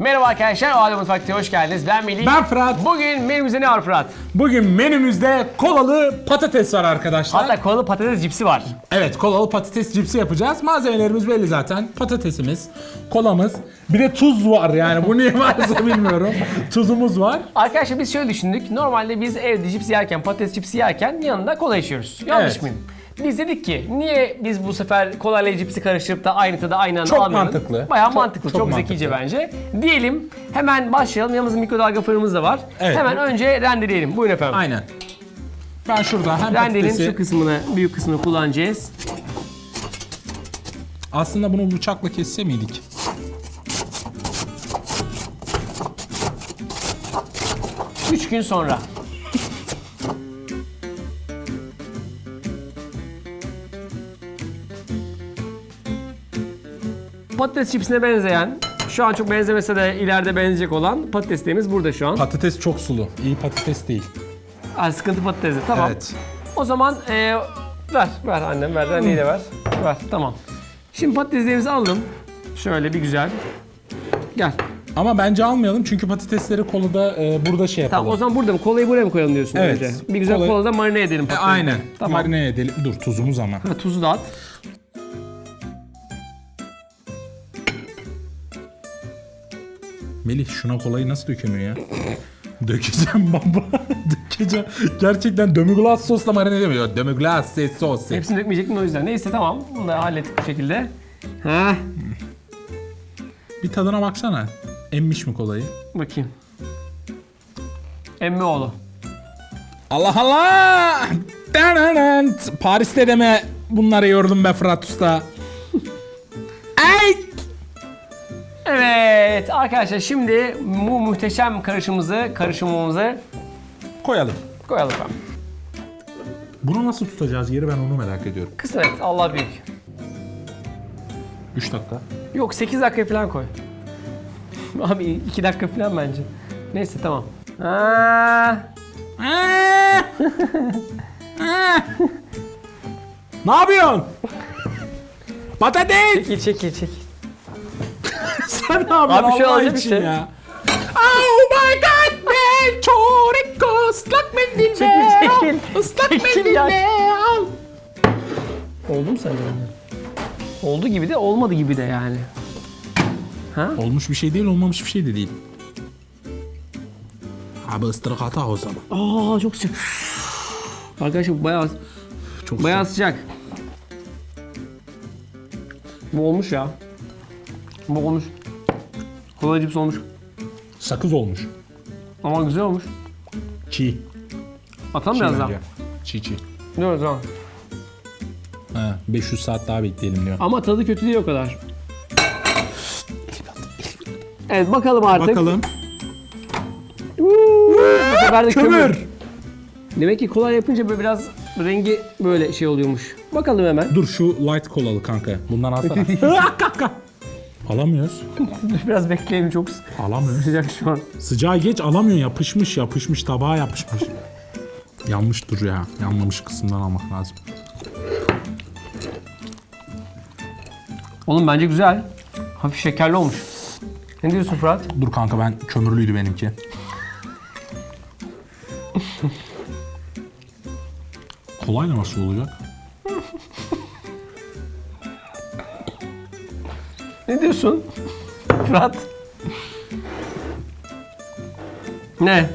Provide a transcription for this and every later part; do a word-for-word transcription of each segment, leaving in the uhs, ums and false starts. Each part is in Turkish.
Merhaba arkadaşlar, o Halde Mutfak'ta hoş geldiniz. Ben Melih. Ben Fırat. Bugün menümüzde ne var Fırat? Bugün menümüzde kolalı patates var arkadaşlar. Hatta kolalı patates cipsi var. Evet, kolalı patates cipsi yapacağız. Malzemelerimiz belli zaten. Patatesimiz, kolamız, bir de tuz var yani. Bu niye varsa bilmiyorum. Tuzumuz var. Arkadaşlar biz şöyle düşündük. Normalde biz evde cips yerken, patates cipsi yerken yanında kola içiyoruz. Yanlış Evet. mıyım? Biz dedik ki niye biz bu sefer kolayla cipsi karıştırıp da aynı tadı aynı anda Çok almayalım? mantıklı. Bayağı Çok- mantıklı, çok, çok zekice mantıklı. bence. Diyelim hemen başlayalım. Yanımızda mikrodalga fırınımız da var. Evet. Hemen önce rendeleyelim. Buyurun efendim. Aynen. Ben şurada hem Rendenin patatesi... şu kısmını, büyük kısmını kullanacağız. Aslında bunu bıçakla kesse miydik? Üç gün sonra. Patates çipsine benzeyen, şu an çok benzemese de ileride benzeyecek olan patateslerimiz burada şu an. Patates çok sulu. İyi patates değil. Ha, sıkıntı patatesi, tamam. Evet. O zaman e, ver, ver annem, ver, anneyi de ver. Ver, tamam. Şimdi patateslerimizi alalım. Şöyle bir güzel. Gel. Ama bence almayalım çünkü patatesleri kolada e, burada şey yapalım. Tamam, o zaman burada mı? Kolayı buraya mı koyalım diyorsun Evet. önce? Bir güzel Kolayı- kolada marine edelim E, patatesi. aynen. Tamam. Marine edelim. Dur, tuzumuz ama. Ha, tuzu da at. Melih, şuna kolayı nasıl dökemiyor ya? Dökeceğim baba. Dökeceğim. Gerçekten demi-glace sosla marine edemiyor. Demi-glace sos. Hepsini dökmeyecektim o yüzden. Neyse tamam. Bunu da hallettik bu şekilde. Ha, Bir tadına baksana. Emmiş mi kolayı? bakayım. Emmioğlu. Allah Allah! Dananant! Paris'te deme bunları yordum be Fırat Usta. Ay! Evet arkadaşlar, şimdi bu muhteşem karışımımızı, karışımımızı Koyalım. koyalım efendim. Bunu nasıl tutacağız yeri, ben onu merak ediyorum. Kısmet, Allah büyük. üç dakika. Yok, sekiz dakika falan koy. Abi iki dakika falan bence. Neyse tamam. Ha, Ne yapıyorsun? Patates! çekil çekil çekil. Sen ne yapıyorsun Abi şu Allah alacak için bir şey. ya? Oh my god man! Çoreko ıslak mendille Çekil, al. çekil. Islak Çekil mendille ya. al. Oldu mu sence? Oldu gibi de olmadı gibi de yani. Ha? Olmuş bir şey değil, olmamış bir şey de değil. Abi ıstırık hata o zaman. Aa, çok sıcak. Arkadaşlar bu bayağı Çok bayağı sıcak. Bu olmuş ya. Bu olmuş. Kola cips olmuş. sakız olmuş. Ama güzel olmuş. Çiğ. Atalım Çiğ biraz daha. bence. Çiğ çiğ. Diyoruz tamam. Ha, beş yüz saat daha bekleyelim diyor. Ama tadı kötü değil o kadar. Evet, bakalım artık. Bakalım. Bu sefer de kömür. Kömür. Demek ki kolay yapınca böyle biraz rengi böyle şey oluyormuş. Bakalım hemen. Dur şu light kolalı kanka. Bundan alsana. Kanka. Alamıyoruz. Biraz bekleyelim, çok sı- Alamıyoruz. sıcak şu an. Sıcağı geç, alamıyor. Yapışmış yapışmış. Tabağa yapışmış. Yanmış dur ya. Yanmamış kısımdan almak lazım. Oğlum bence güzel. Hafif şekerli olmuş. Ne diyorsun Fırat? Dur kanka, ben kömürlüydü benimki. Kolayla nasıl olacak? Ne diyorsun? Fırat? Ne?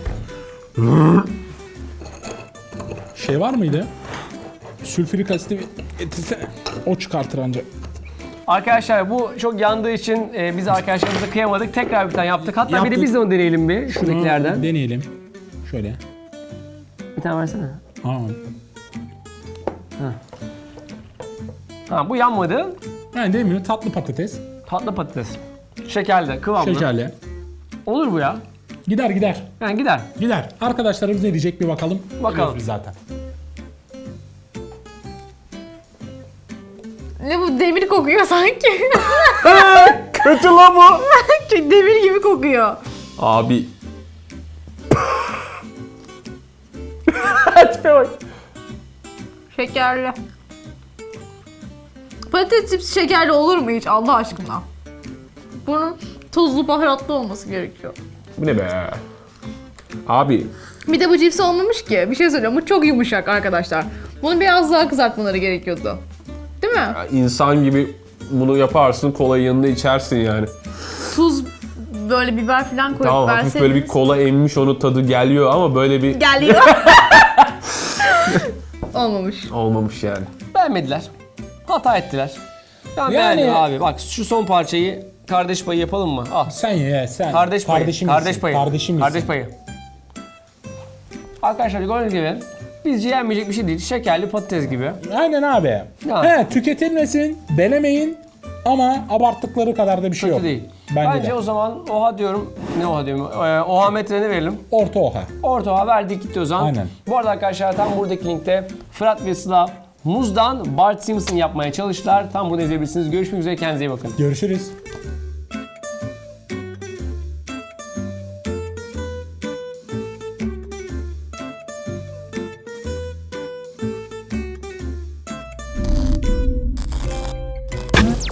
Şey var mıydı? Sülfürik asiti etilse o çıkartır ancak. Arkadaşlar bu çok yandığı için e, biz arkadaşlarımıza kıyamadık. Tekrar bir tane yaptık. Hatta bir Yaptık. de biz de onu deneyelim bir. Şuradakilerden. Deneyelim. Şöyle. Bir tane versene. Aa. Ha, bu yanmadı. Yani demiyor, tatlı patates. Tatlı patates. Şekerli, kıvamlı. Şekerli. Olur bu ya. Gider gider. Yani gider. Gider. Arkadaşlarımız ne diyecek bir bakalım. Bakalım. Biliyoruz biz zaten. Ne bu, demir kokuyor sanki. Kötü la bu. Demir gibi kokuyor. Abi. Tipe bak. Şekerli. Patates cipsi şekerli olur mu hiç Allah aşkına? Bunun Tuzlu baharatlı olması gerekiyor. Bu ne be? Abi Bir de bu cips olmamış ki. Bir şey söyleyeyim, bu çok yumuşak arkadaşlar. Bunu biraz daha kızartmaları gerekiyordu. Değil mi? insan gibi bunu yaparsın, kolayı yanında içersin yani. Tuz, böyle biber falan koyup Tamam, hafif verseydiniz. böyle bir kola emmiş, onu tadı geliyor ama böyle bir Geliyor. Olmamış. olmamış yani. Beğenmediler. Hata ettiler. Ben Yani- beğendim abi. Bak şu son parçayı kardeş payı yapalım mı? Al. Sen ye sen. Kardeş payı. Kardeşim kardeş misin? payı. Kardeşim misin? Kardeş payı. Arkadaşlar gördüğünüz gibi bizce yenmeyecek bir şey değil. Şekerli patates gibi. Aynen abi. Ya. He, tüketilmesin, denemeyin ama abarttıkları kadar da bir şey Kötü yok. değil. Bence, Bence de. o zaman oha diyorum. Ne oha diyorum? Ee, oha metreni verelim. Orta oha. Orta oha verdik gitti o zaman. Aynen. Bu arada arkadaşlar tam buradaki linkte Fırat ve Sıla muzdan Bart Simpson yapmaya çalıştılar. Tam bunu izleyebilirsiniz. Görüşmek üzere, kendinize iyi bakın. Görüşürüz.